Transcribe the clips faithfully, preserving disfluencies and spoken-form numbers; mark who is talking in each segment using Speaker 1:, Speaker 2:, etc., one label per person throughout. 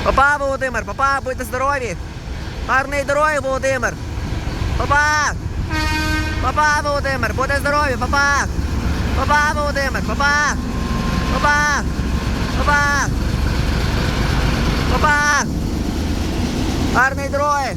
Speaker 1: Папа, Володимир, папа, будьте здорові. Гарної дороги, Володимир. Папа. Папа, Володимир, будьте здорові, папа. Папа, Володимир, папа. Папа. Папа. Папа. Гарної дороги.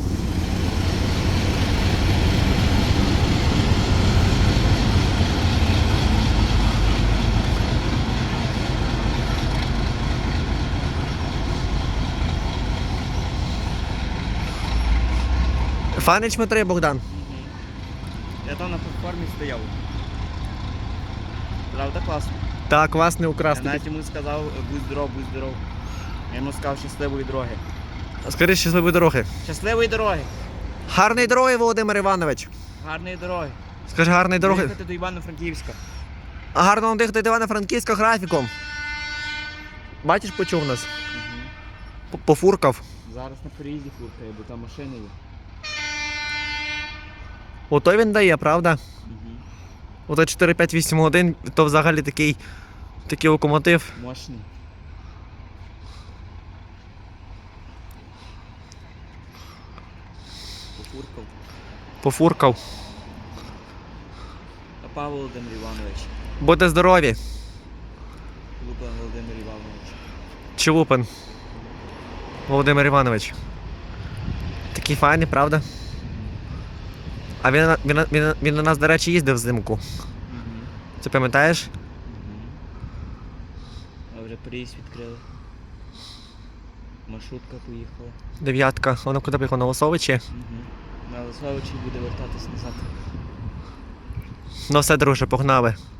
Speaker 1: Фанич Дмитрий Богдан.
Speaker 2: Я там на платформі стояв. Правда, класно.
Speaker 1: Так, класний
Speaker 2: Я
Speaker 1: украсний.
Speaker 2: навіть йому сказав, будь здоров, будь здоров. Я йому сказав щасливої дороги.
Speaker 1: Скажи щасливої дороги.
Speaker 2: Щасливої дороги!
Speaker 1: Гарної дороги, Володимир Іванович.
Speaker 2: Гарної дороги!
Speaker 1: Скажи гарної дороги.
Speaker 2: Їхати до Івано-Франківська.
Speaker 1: А гарно вам дихати до Івано-Франківська графіком. Бачиш, почув нас?
Speaker 2: Угу.
Speaker 1: Пофуркав.
Speaker 2: Зараз на переїзді фуркає, бо там машини є.
Speaker 1: Ото він дає, правда?
Speaker 2: Угу.
Speaker 1: Ото чотири п'ять вісім годин, то взагалі такий, такий локомотив.
Speaker 2: Мощний. Пофуркав.
Speaker 1: Пофуркав.
Speaker 2: Папа Володимир Іванович.
Speaker 1: Будьте здорові.
Speaker 2: Лупан Володимир Іванович.
Speaker 1: Чулупин. Володимир Іванович. Такий файний, правда? А він, на- він, на- він, на- він на нас, до речі, їздив взимку.
Speaker 2: Угу.
Speaker 1: Ти пам'ятаєш?
Speaker 2: А вже переїзд відкрили. Маршрутка поїхала.
Speaker 1: Дев'ятка. Вона куди поїхала? На Лосовичі?
Speaker 2: Угу. На Лисовичі буде вертатись назад.
Speaker 1: Ну все, друже, погнали.